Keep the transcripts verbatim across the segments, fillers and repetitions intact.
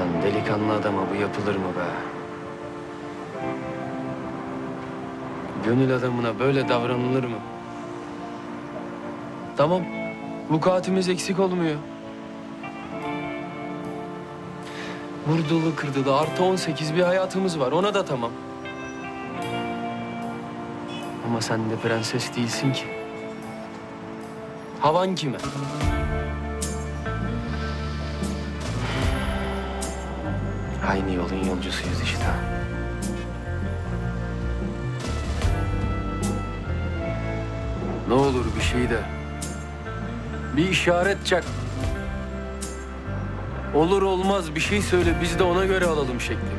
Lan delikanlı adama bu yapılır mı be? Gönül adamına böyle davranılır mı? Tamam, vukuatimiz eksik olmuyor. Vurdulu kırdılı artı on sekiz bir hayatımız var, ona da tamam. Ama sen de prenses değilsin ki. Havan kime? Aynı yolun yolcusuyuz işte. Ne olur bir şey de. Bir işaret çak. Olur olmaz bir şey söyle, biz de ona göre alalım şeklimizi.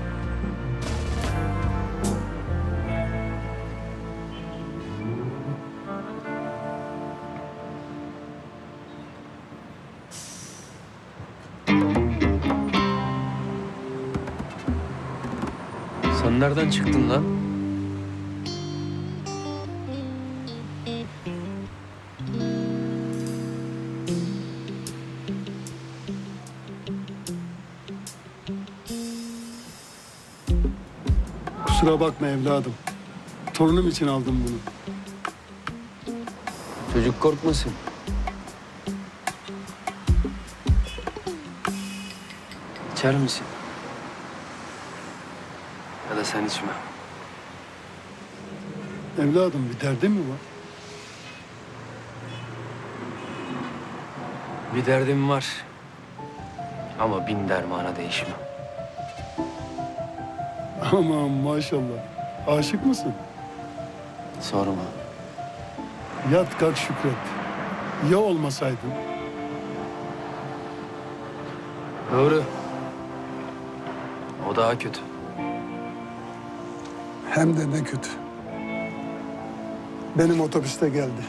Sen nereden çıktın lan? Kusura bakma evladım. Torunum için aldım bunu. Çocuk korkmasın. İçer misin? Ya da sen içme. Evladım bir derdin mi var? Bir derdim var. Ama bin dermana değişmem. Aman maşallah. Aşık mısın? Sorma. Yat kalk şükret. Ya olmasaydın? Doğru. O daha kötü. Hem de ne kötü. Benim otobüste geldi.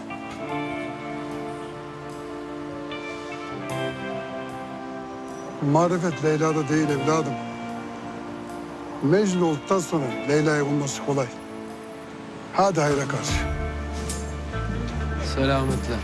Marifet Leyla'da değil evladım. Mecnun olduktan sonra Leyla'yı bulması kolay. Hadi hayra karşı. Selametle.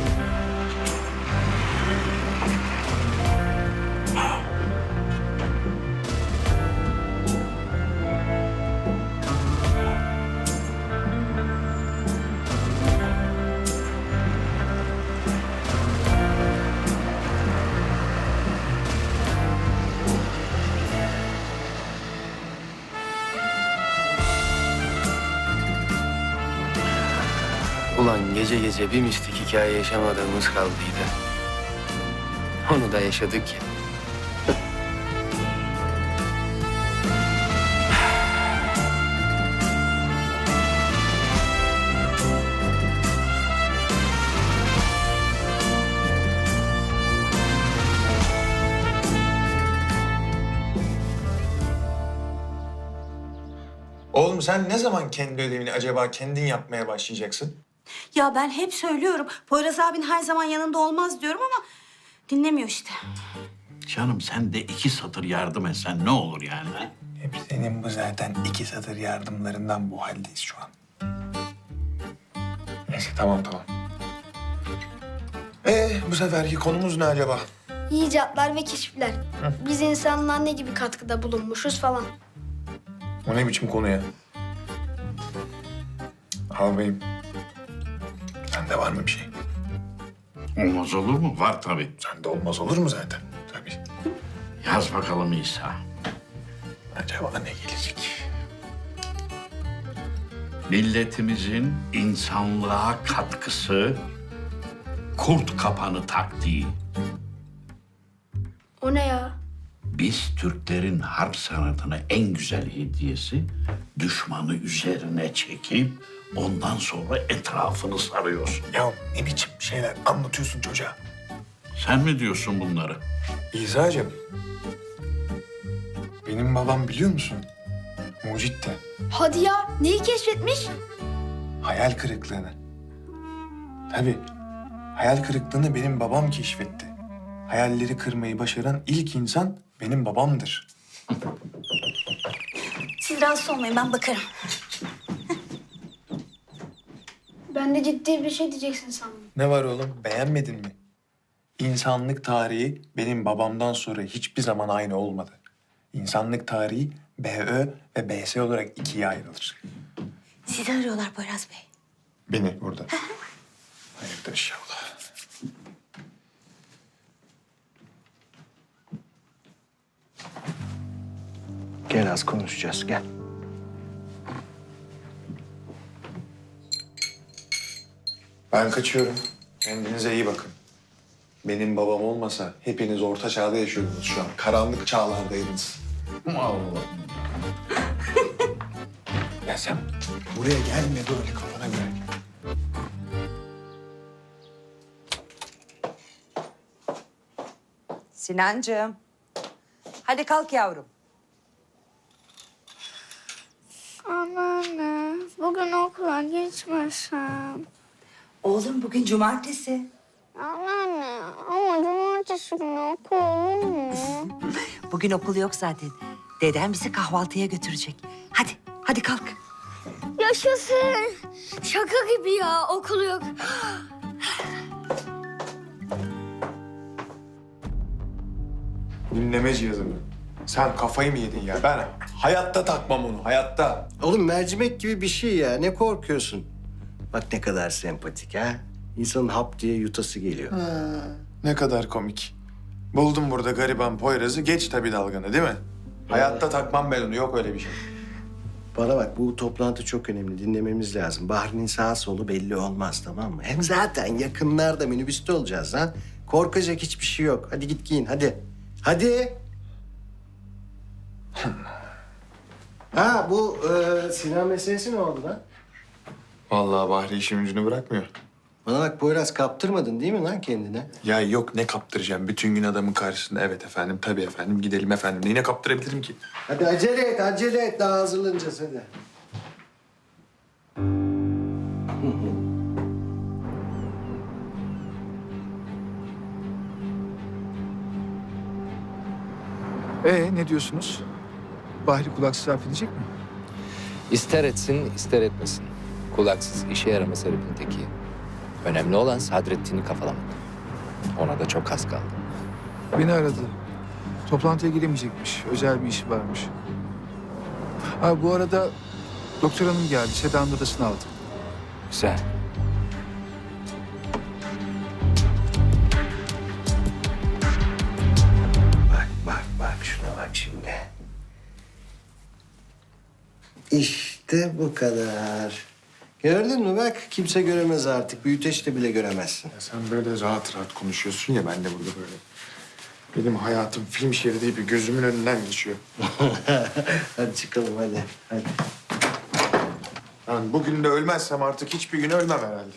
Ulan gece gece bir mistik hikaye yaşamadığımız kaldıydı. Onu da yaşadık ya. Oğlum sen ne zaman kendi ödevini acaba kendin yapmaya başlayacaksın? Ya ben hep söylüyorum. Poyraz abin her zaman yanında olmaz diyorum ama dinlemiyor işte. Canım sen de iki satır yardım etsen ne olur yani? Ha? Hep senin bu zaten iki satır yardımlarından bu haldeyiz şu an. Neyse tamam tamam. Ee bu seferki konumuz ne acaba? İcatlar ve keşifler. Biz insanlığa ne gibi katkıda bulunmuşuz falan. O ne biçim konu ya? Ağabeyim. Sende var mı bir şey? Olmaz olur mu? Var tabii. Sende olmaz olur mu zaten? Tabii. Yaz bakalım İsa. Acaba ne gelecek? Milletimizin insanlığa katkısı, kurt kapanı taktiği. O ne ya? Biz Türklerin harp sanatına en güzel hediyesi düşmanı üzerine çekip ondan sonra etrafını sarıyorsun. Ya ne biçim şeyler anlatıyorsun çocuğa? Sen mi diyorsun bunları? İsa'cığım. Benim babam biliyor musun? Mucitte. Hadi ya, neyi keşfetmiş? Hayal kırıklığını. Tabii. Hayal kırıklığını benim babam keşfetti. Hayalleri kırmayı başaran ilk insan benim babamdır. Siz rahatsız olmayın, ben bakarım. Ben de ciddi bir şey diyeceksin sandım. Ne var oğlum? Beğenmedin mi? İnsanlık tarihi benim babamdan sonra hiçbir zaman aynı olmadı. İnsanlık tarihi B Ö ve B S olarak ikiye ayrılır. Sizi arıyorlar Poyraz Bey. Beni burada. Hayırdır inşallah. Gel az konuşacağız, gel. Ben kaçıyorum. Kendinize iyi bakın. Benim babam olmasa hepiniz orta çağda yaşıyordunuz şu an. Karanlık çağlardaydınız. Allah. Ya sen buraya gelme böyle kafana göre. Sinancığım. Hadi kalk yavrum. Anneanne, bugün okula gitmesem. Oğlum bugün cumartesi. Anneanne, ama cumartesi günü okul olur mu? Bugün okul yok zaten. Dedem bizi kahvaltıya götürecek. Hadi, hadi kalk. Yaşasın. Şaka gibi ya, okul yok. Dinleme cihazı mı? Sen kafayı mı yedin ya? Ben hayatta takmam onu, hayatta. Oğlum mercimek gibi bir şey ya, ne korkuyorsun? Bak ne kadar sempatik ha. İnsanın hap diye yutası geliyor. Ne kadar komik. Buldum burada gariban Poyraz'ı, geç tabii dalganı değil mi? Hayatta takmam ben onu, yok öyle bir şey. Bana bak, bu toplantı çok önemli, dinlememiz lazım. Bahri'nin sağ solu belli olmaz, tamam mı? Hem zaten yakınlarda minibüste olacağız ha. Korkacak hiçbir şey yok. Hadi git giyin, hadi. Hadi. Ha bu e, Sinan meselesi ne oldu lan? Vallahi Bahri işin ucunu bırakmıyor. Bana bak Poyraz, kaptırmadın değil mi lan kendine? Ya yok, ne kaptıracağım? Bütün gün adamın karşısında evet efendim, tabii efendim, gidelim efendim. Neyine kaptırabilirim ki? Hadi acele et, acele et. Daha hazırlanacağız hadi. Ee ne diyorsunuz? Bahri kulaksız harf edecek mi? İster etsin, ister etmesin. Kulaksız işe yaramaz herifin teki. Önemli olan Sadrettin'i kafalamak. Ona da çok az kaldı. Beni aradı. Toplantıya giremeyecekmiş. Özel bir işi varmış. Ha bu arada doktor hanım geldi. Seda'nın odasını aldım. Güzel. Bak, bak, bak. Şuna bak şimdi. İşte bu kadar. Gördün mü bak? Kimse göremez artık. Büyüteçte bile göremezsin. Ya sen böyle rahat rahat konuşuyorsun ya, ben de burada böyle. Benim hayatım film şeridi gibi gözümün önünden geçiyor. Hadi çıkalım hadi. Hadi. Ben bugün de ölmezsem artık hiçbir gün ölmem herhalde.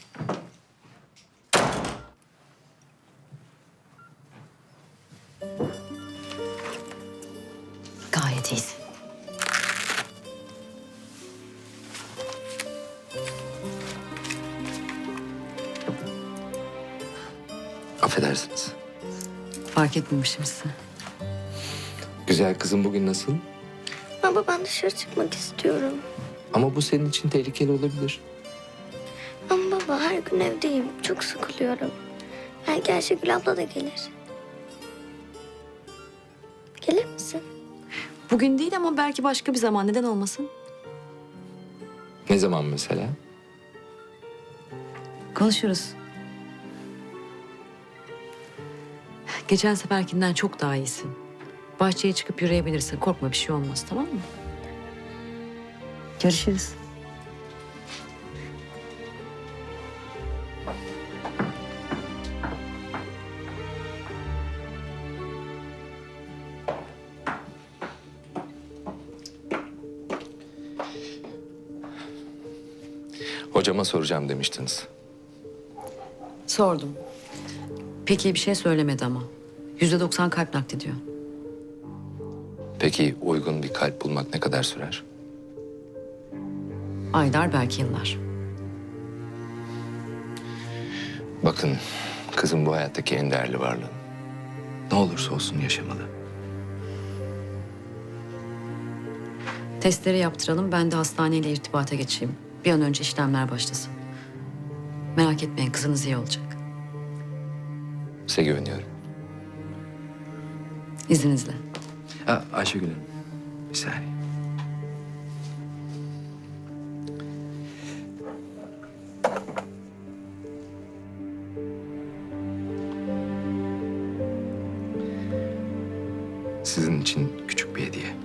Gayet iyisin. Affedersiniz. Fark etmemişim sizi. Güzel kızım bugün nasıl? Baba, ben dışarı çıkmak istiyorum. Ama bu senin için tehlikeli olabilir. Ama baba, her gün evdeyim. Çok sıkılıyorum. Belki Ayşegül abla da gelir. Gelir misin? Bugün değil ama belki başka bir zaman. Neden olmasın? Ne zaman mesela? Konuşuruz. Geçen seferkinden çok daha iyisin. Bahçeye çıkıp yürüyebilirsin. Korkma, bir şey olmaz, tamam mı? Görüşürüz. Hocama soracağım demiştiniz. Sordum. Peki bir şey söylemedi ama. Yüzde doksan kalp naklediyor. Peki uygun bir kalp bulmak ne kadar sürer? Aylar, belki yıllar. Bakın, kızım bu hayattaki en değerli varlığın. Ne olursa olsun yaşamalı. Testleri yaptıralım, ben de hastaneyle irtibata geçeyim. Bir an önce işlemler başlasın. Merak etmeyin, kızınız iyi olacak. Size güveniyorum. İzninizle. Ha, Ayşegül Hanım. Bir saniye. Sizin için küçük bir hediye.